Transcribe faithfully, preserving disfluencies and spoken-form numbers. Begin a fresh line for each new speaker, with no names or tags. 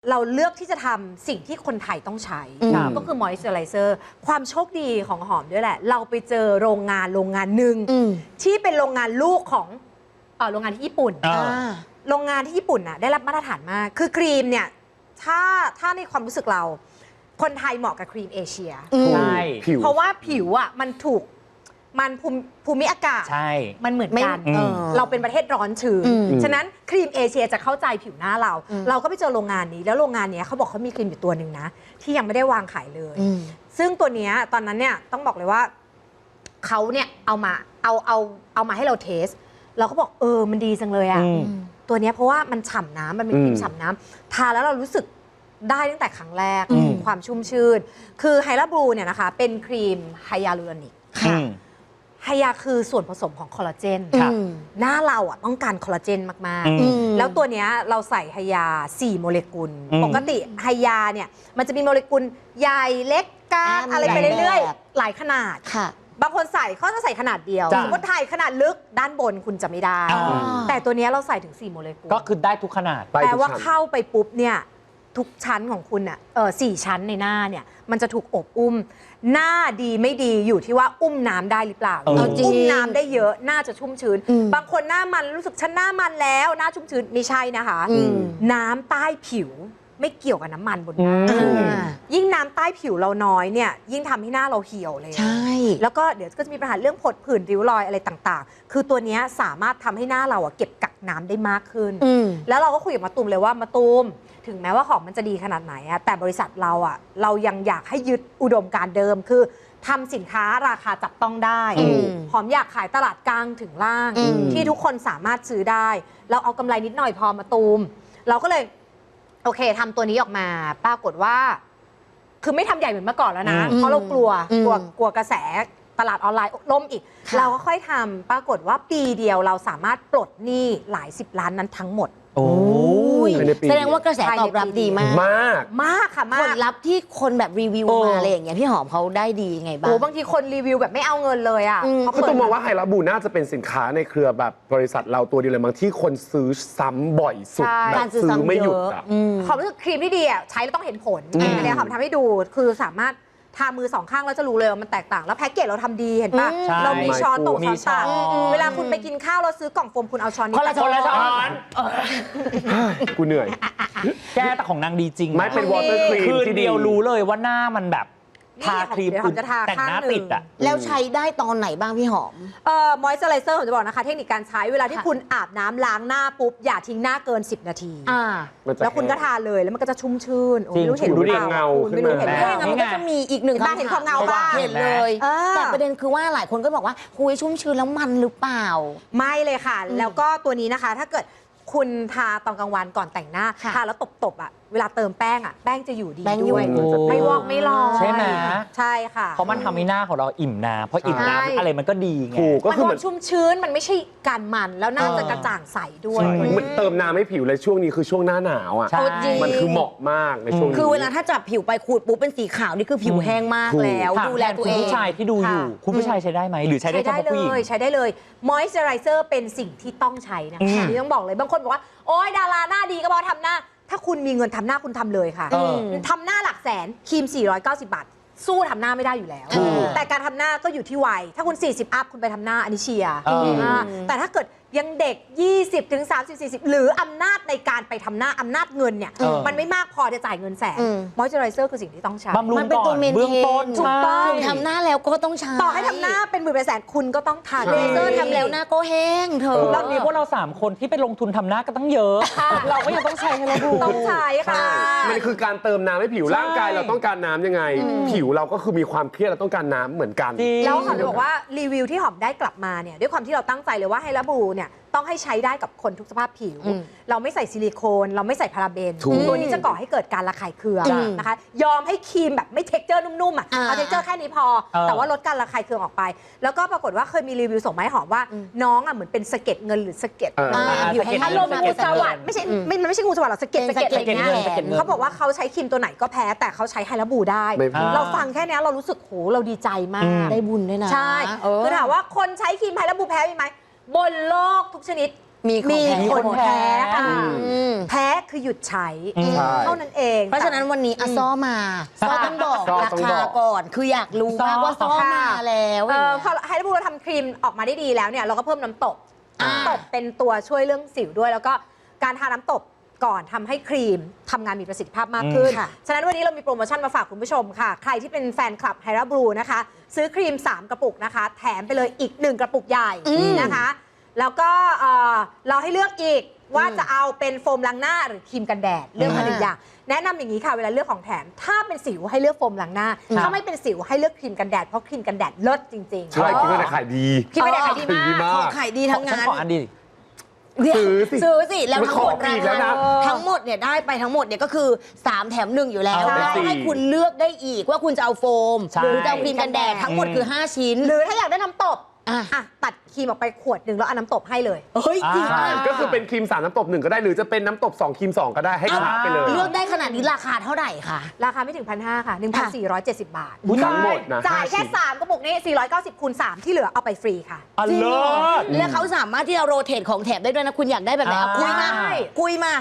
เราเลือกที่จะทำสิ่งที่คนไทยต้องใช้ก็คือมอยส์เจอไรเซอร์ความโชคดีของหอมด้วยแหละเราไปเจอโรงงานโรงงานหนึ่งที่เป็นโรงงานลูกของโรงงานที่ญี่ปุ่นโรงงานที่ญี่ปุ่นน่ะได้รับมาตรฐานมากคือครีมเนี่ยถ้าถ้าในความรู้สึกเราคนไทยเหมาะกับครีมเอเชีย
ใช่
เพราะว่าผิวอ่ะมันถูกมันภูมิอากาศมันเหมือนกันเราเป็นประเทศร้อนชื้นฉะนั้นครีมเอเชียจะเข้าใจผิวหน้าเราเราก็ไปเจอโรงงานนี้แล้วโรงงานนี้เขาบอกเขามีครีมอยู่ตัวหนึ่งนะที่ยังไม่ได้วางขายเลยซึ่งตัวนี้ตอนนั้นเนี่ยต้องบอกเลยว่าเขาเนี่ยเอามาเอาเอาเอามาให้เราเทสเราก็บอกเออมันดีจังเลยอะตัวนี้เพราะว่ามันฉ่ำน้ำมันมีครีมฉ่ำน้ำทาแล้วเรารู้สึกได้ตั้งแต่ครั้งแรกความชุ่มชื่นคือไฮลาบลูเนี่ยนะคะเป็นครีมไฮยาลูรอนิกไฮยาคือส่วนผสมของคอลลาเจนหน้าเราอ่ะต้องการคอลลาเจนมากๆแล้วตัวนี้เราใส่ไฮยาสี่โมเลกุลปกติไฮยาเนี่ยมันจะมีโมเลกุลใหญ่เล็กกลางอะไรไปเรื่อยๆหลายขนาดบางคนใส่เขาจะใส่ขนาดเดียวสมมติไทยขนาดลึกด้านบนคุณจะไม่ได้แต่ตัวนี้เราใส่ถึงสี่โมเลกุล
ก็คือได้ทุกขนาด
แปลว่าเข้าไปปุ๊บเนี่ยทุกชั้นของคุณอ่ะเออสี่ชั้นในหน้าเนี่ยมันจะถูกอบอุ้มหน้าดีไม่ดีอยู่ที่ว่าอุ้มน้ำได้หรือเปล่าอุ้มน้ำได้เยอะหน้าจะชุ่มชื้นบางคนหน้ามันรู้สึกฉันหน้ามันแล้วหน้าชุ่มชื้นไม่ใช่นะคะน้ำใต้ผิวไม่เกี่ยวกับน้ำมันบนหน้ายิ่งน้ำใต้ผิวเราน้อยเนี่ยยิ่งทำให้หน้าเราเหี่ยวเลยใช่แล้วก็เดี๋ยวก็จะมีปัญหาเรื่องผดผื่นริ้วรอยอะไรต่างๆคือตัวนี้สามารถทำให้หน้าเราเก็บกักน้ำได้มากขึ้นแล้วเราก็คุยกับมะตูมเลยว่ามะตูมถึงแม้ว่าของมันจะดีขนาดไหนอะแต่บริษัทเราอะเรายังอยากให้ยึดอุดมการณ์เดิมคือทำสินค้าราคาจับต้องได้หอมอยากขายตลาดกลางถึงล่างที่ทุกคนสามารถซื้อได้เราเอากำไรนิดหน่อยพอมาตูมเราก็เลยโอเคทำตัวนี้ออกมาปรากฏว่าคือไม่ทำใหญ่เหมือนเมื่อก่อนแล้วนะเพราะเรากลัวกลัวกลัวกระแสตลาดออนไลน์ล่มอีกเราก็ค่อยทำปรากฏว่าปีเดียวเราสามารถปลดหนี้หลายสิบล้านนั้นทั้งหมด
โอ้ยแสดงว่ากระแสตอบรับดีมาก
มาก
มากค่ะมาก
ผลลัพธ์ที่คนแบบรีวิวมาอะไรอย่างเงี้ยพี่หอมเขาได้ดีไงบ้าง
โอ้บางทีคนรีวิวแบบไม่เอาเงินเลยอ่ะ
คือต้องมองว่าไฮลาบูน่าจะเป็นสินค้าในเครือแบบบริษัทเราตัวเดียวเลยบางที่คนซื้อซ้ำบ่อยสุดแบบซื้อไม่หยุดอ่ะ
ความรู้สึกครีมที่ดีอ่ะใช้แล้วต้องเห็นผลอันนี้ค่ะทำให้ดูคือสามารถทามือสองข้างแล้วจะรู้เลยว่ามันแตกต่างแล้วแพ็กเกจเราทำดีเห็นปะเรามีช้อนโต๊ะช้อนตักเวลาคุณไปกินข้าวเราซื้อกล่องโฟมคุณเอาช้อนนี้
คนละช้อน
กูเหนื่อย
แก้แต่ของนางดีจริง
ไม่เป็นวอเตอร์ครีม
ที่เดียวรู้เลยว่าหน้ามันแบบทาครีมแต่งหน้าติดอ่ะ
แล้วใช้ได้ตอนไหนบ้างพี่หอม
เอ่อมอยส์เจอไรเซอร์ผมจะบอกนะคะเทคนิคการใช้เวลาที่คุณอาบน้ำล้างหน้าปุ๊บอย่าทิ้งหน้าเกินสิบนาทีแล้วคุณก็ทาเลยแล้วมันก็จะชุ่มชื่นไม่รู้เห็นหรือเปล่า
เงา
ไม่รู้เห็น
แค่มันก็จะมีอีกหนึ่งคำถาม
เห็นความเงาบ้าง
เห็นเลยแต่ประเด็นคือว่าหลายคนก็บอกว่าคุยชุ่มชื้นแล้วมันหรือเปล่า
ไม่เลยค่ะแล้วก็ตัวนี้นะคะถ้าเกิดคุณทาตอนกลางวันก่อนแต่งหน้าทาแล้วตบๆอ่ะเวลาเติมแป้งอ่ะแป้งจะอยู่ดีด้วยไม่วอกไม่ลอย
ใช่ไหม
ใช่ค่ะ
เพราะมันทำให้หน้าของเราอิ่มน้ำเพราะอิ่มน้ำอะไรมันก็ดีไง
มันความชุ่มชื้นมันไม่ใช่การมันแล้วหน้าจะกระจ่างใสด้วย
มันเติมน้ำให้ผิวเลยช่วงนี้คือช่วงหน้าหนาวอ่ะมันคือเหมาะมากในช่วงนี้
คือเวลาถ้าจับผิวไปขูดปุ๊บเป็นสีขาวนี่คือผิวแห้งมากแล้วดูแลตัวเอง
คุณผู้ชายที่ดูอยู่คุณผู้ชายใช้ได้ไหมหรือใช้ได้เฉพาะผู้หญิง
ใช้ได้เลยมอยส์เจอไรเซอร์เป็นสิ่งที่ต้องใช้นะคะที่ต้องบอกเลยบางคนบอกว่าโอ๊ยดาราหน้าดีก็บอกทำหน้าถ้าคุณมีเงินทำหน้าคุณทำเลยค่ะทำหน้าหลักแสนครีมสี่ร้อยเก้าสิบบาทสู้ทำหน้าไม่ได้อยู่แล้วแต่การทำหน้าก็อยู่ที่วัยถ้าคุณสี่สิบอัพคุณไปทำหน้าอันนี้เชียร์แต่ถ้าเกิดยังเด็ก ยี่สิบถึงสามสิบ สี่สิบ หรืออำนาจในการไปทำหน้าอำนาจเงินเนี่ยมันไม่มากพอจะจ่ายเงินแสนมอยส์เจอไรเซอร์คือสิ่งที่ต้องใช้
มันเป็นตัวเมนเทน
ถูกต้อง
ทำหน้าแล้วก็ต้องใช้
ต่อให้ทำหน้าเป็นหมื่นเป็นแสนคุณก็ต้องทา
เลเซอร์ทำแล้วหน้าก็แห้งเธอ
แล้วมีพวกเราสามคนที่ไปลงทุนทำหน้าก็ต้องเยอะเราก็ยังต้องใช้ให้เราดู
ต้องใช้ค่ะ
มันคือการเติมน้ำให้ผิวร่างกายเราต้องการน้ำยังไงผิวเราก็คือมีความเครียดเราต้องการน้ำเหมือนกัน
แล้วหอมจะบอกว่ารีวิวที่หอมได้กลับมาเนี่ยด้วยความที่เราตั้งใจเลยว่าไฮลาบูเนี่ยต้องให้ใช้ได้กับคนทุกสภาพผิวเราไม่ใส่ซิลิโคนเราไม่ใส่พาราเบนตัวนี้จะก่อให้เกิดการระคายเคืองนะคะยอมให้ครีมแบบไม่เท็กเจอร์นุ่มๆอ่ะเอาเท็กเจอร์แค่นี้พอแต่ว่าลดการระคายเคืองออกไปแล้วก็ปรากฏว่าเคยมีรีวิวส่งมาให้หอมว่าน้องอ่ะเหมือนเป็นสะเก็ดเงินหรือสะเก็ดอยู่ให้อารมณ์งูสวัสด์ไม่ใช่ไม่ไม่ใช่งูสวัสด์หรอกสะเก็ดสะเก็ดอะไรเงี้ยเขาบอกว่าเขาใช้ครีมตัวไหนก็แพ้แต่เขาใช้ไฮลาบูได้เราฟังแค่นี้เรารู้สึกโหเราดีใจมาก
ได้บุญด้วยนะ
ใช่คือถามว่าคนใช้ครีมไฮลาบูแพ้ไหมบนโลกทุกชนิด
มีของ
มี
แพ้
คนแพ้ค่ะ
อืม
แพ้คือหยุดใช้
ใช่
เท่านั้นเอง
เพราะฉะนั้นวันนี้อะซ้อมาซ้อต้องบอก
ซ้อ
รา
ต้อง
คา
บอก
ก่อน คืออยากรู้มากว่าซ้อมาแล้ว
เอ
อย่าง
อ
เงี้ย
พอให้พูดเราทำครีมออกมาได้ดีแล้วเนี่ยเราก็เพิ่มน้ำตบ
อ่า
น้ำตบเป็นตัวช่วยเรื่องสิวด้วย แล้วก็การทาน้ำตบก่อนทำให้ครีมทำงานมีประสิทธิภาพมากขึ้น
อืมค่ะ
ฉะนั้นวันนี้เรามีโปรโมชั่นมาฝากคุณผู้ชมค่ะ ใครที่เป็นแฟนคลับไฮราบลูนะคะ ซื้อครีม สาม กระปุกนะคะ แถมไปเลยอีก หนึ่ง กระปุกใหญ่นะคะ แล้วก็เอ่อเราให้เลือกอีกว่าจะเอาเป็นโฟมล้างหน้าหรือครีมกันแดดเลือกมาหนึ่งอย่างแนะนำอย่างนี้ค่ะเวลาเลือกของแถม ถ้าเป็นสิวให้เลือกโฟมล้างหน้า ถ้าไม่เป็นสิวให้เลือกครีมกันแดดเพราะครีมกันแดดเลิศจริงๆ
ใช่คิดว่าจะขายดี
ครีมกันแดดขายดี
ขายดี
มาก
มาก
ของขายดีทั้ง
ฉัน
นั้น
ขออันดี
เดี๋ยว
ซื้อสิ
ซื้อสิ แล้วทั้งหมด
มันขอฟรีแล้วนะ
ทั้งหมดเนี่ยได้ไปทั้งหมดเนี่ยก็คือ สาม แถมหนึ่งอยู่แล้ว
ใช่
แล้วให้คุณเลือกได้อีกว่าคุณจะเอาโฟม
ใช่
หรือจะเอาครีมกันแดดทั้งหมดคือ ห้า ชิ้น
หรือถ้าอยากได้น้ำตบ
อ่ะ
อ่ะตัดครีมออกไปขวดหนึ่งแล้วเอาน้ำตบให้เลย
เฮ้ยจริง
อ่า
อ่ะ
ก็คือเป็นครีมสามน้ำตบหนึ่งก็ได้หรือจะเป็นน้ำตบสองครีมสองก็ได้ให้คละไปเลย
เลือกได้ขนาดนี้ราคาเท่าไหร่คะ
ราคาไม่ถึง พันห้าค่ะ หนึ่งพันสี่ร้อยเจ็ดสิบ บาท
อุ๊ย
ทั้งหมดนะ
จ่ายแค่
ห้าชิ้น
สามกระปุกนี้ สี่ร้อยเก้าสิบคูณสามที่เหลือเอาไปฟรีค่ะ
อันเลิศ
แล้วเขาสามารถที่จะโรเตทของแถมได้ด้วยนะ คุณอยากได้แบบไหนเอา
อ่า
คุยมา
ได้
คุยมา